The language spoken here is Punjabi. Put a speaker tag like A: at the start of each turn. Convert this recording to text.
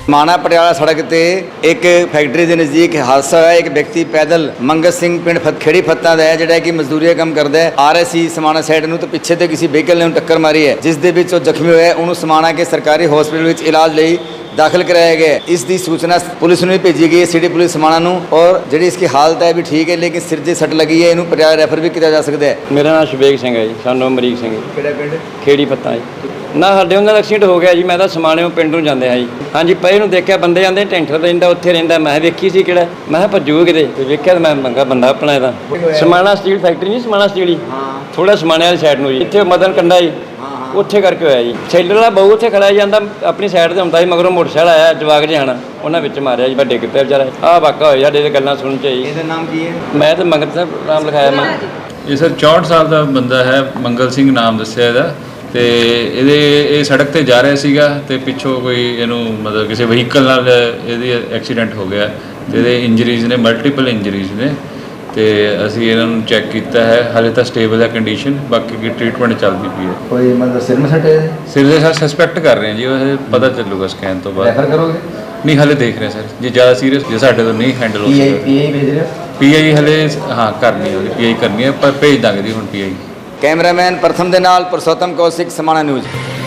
A: माना पटियाला सड़क ते एक फैक्ट्री के नज़दीक हादसा होया। एक व्यक्ति पैदल मंगत सिंह पिंड खेड़ी फत्ता का है जिहड़ा कि मजदूरी का काम करता है, आ रहा सी समाना साइड नूं, तो पिछे ते किसी व्हीकल ने टक्कर मारी है, जिस दे विच जख्मी होया। उन्होंने समाना के सरकारी हॉस्पिटल में इलाज लई दाखिल कराया गया। इसकी सूचना पुलिस ने भेजी गई है, सिटी पुलिस समाना नूं, और जी इसकी हालत है भी ठीक है, लेकिन सिर से सट लगी है, इन्हू पटियाला रैफर भी किया जा सकता है।
B: मेरा नाम शबेग सिंह है जी, सानू अमरीक सिंह
A: ਕਿਹੜਾ ਪਿੰਡ?
B: खेड़ी पत्ता जी। ना साडे उन्हां दा एक्सीडेंट हो गया जी। मैं तो समाने पिंड नूं जांदे हाँ जी। हाँ जी, पए नूं देखिया बंदे आंदे टेंटर रहिंदा उत्थे रहिंदा। मैं वेखी सी किहड़ा, मैं भज्जू किते ते वेखिया मैं मंगा बंदा अपना इहदा। समाना स्टील फैक्ट्री नहीं, समाना स्टील ही थोड़ा समाने वाली साइड नूं जी, इत्थे मदन कंडा जी, ਉੱਥੇ ਕਰਕੇ ਹੋਇਆ ਜੀ। ਸੈਲਰ ਵਾਲਾ ਬਹੁ ਉੱਥੇ ਖੜਾ ਜਾਂਦਾ, ਆਪਣੀ ਸਾਈਡ ਤੇ ਹੁੰਦਾ ਸੀ, ਮਗਰੋਂ ਮੋਟਰਸਾਈਕਲ ਆਇਆ ਜਵਾਕ ਜਿਹਾ, ਉਹਨਾਂ ਵਿੱਚ ਮਾਰਿਆ ਜੀ, ਵੱਡੇ ਕਿੱਤੇ ਵਿਚਾਰਾ। ਆਹ ਵਾਕਾ ਹੋਇਆ ਸਾਡੇ ਤੇ ਗੱਲਾਂ ਸੁਣ ਚ ਜੀ।
A: ਇਹਦਾ ਨਾਮ ਕੀ ਹੈ?
B: ਮੈਂ ਤਾਂ ਮੰਗਤ ਸਾਹਿਬ ਨਾਮ ਲਿਖਾਇਆ ਮੈਂ।
C: ਇਹ ਸਰ 64 ਸਾਲ ਦਾ ਬੰਦਾ ਹੈ, ਮੰਗਲ ਸਿੰਘ ਨਾਮ ਦੱਸਿਆ ਇਹਦਾ, ਤੇ ਇਹ ਸੜਕ ਤੇ ਜਾ ਰਿਹਾ ਸੀਗਾ ਤੇ ਪਿੱਛੋਂ ਕੋਈ ਇਹਨੂੰ ਮਤਲਬ ਕਿਸੇ ਵਹੀਕਲ ਨਾਲ ਇਹਦੀ ਐਕਸੀਡੈਂਟ ਹੋ ਗਿਆ ਤੇ ਇਹਦੇ ਇੰਜਰੀਜ਼ ਨੇ, ਮਲਟੀਪਲ ਇੰਜਰੀਜ਼ ਨੇ, ਤੇ ਅਸੀਂ ਇਹਨਾਂ ਨੂੰ ਚੈੱਕ ਕੀਤਾ ਹੈ। ਹਾਲੇ ਤਾਂ ਸਟੇਬਲ ਹੈ ਕੰਡੀਸ਼ਨ, ਬਾਕੀ ਕੀ ਟ੍ਰੀਟਮੈਂਟ ਚੱਲਦੀ ਪਈ ਹੈ।
A: ਕੋਈ ਮਤਲਬ ਸਿਰ ਮੇ ਸੱਟ ਹੈ?
C: ਸਿਰ ਦੇ ਸਰ ਸਸਪੈਕਟ ਕਰ ਰਹੇ ਹਾਂ ਜੀ, ਉਹ ਪਤਾ ਚੱਲੂਗਾ ਸਕੈਨ ਤੋਂ ਬਾਅਦ।
A: ਰੈਫਰ ਕਰੋਗੇ?
C: ਨਹੀਂ ਹਾਲੇ ਦੇਖ ਰਹੇ ਸਰ, ਜੇ ਜ਼ਿਆਦਾ ਸੀਰੀਅਸ ਜੇ ਸਾਡੇ ਤੋਂ ਨਹੀਂ ਹੈਂਡਲ ਹੋ ਸਕਦਾ।
A: ਪੀਆਈ ਭੇਜ ਰਹੇ ਹੋ?
C: ਪੀਆਈ ਹਲੇ ਹਾਂ ਕਰਨੀ ਹੈ, ਪੀਆਈ ਕਰਨੀ ਹੈ, ਪਰ ਭੇਜ ਦਾਂਗੇ ਜੀ ਹੁਣ ਪੀਆਈ।
A: ਕੈਮਰਾਮੈਨ ਪ੍ਰਥਮ ਦੇ ਨਾਲ ਪੁਰਸ਼ੋਤਮ ਕੌਸ਼ਿਕ, ਸਮਾਣਾ ਨਿਊਜ਼।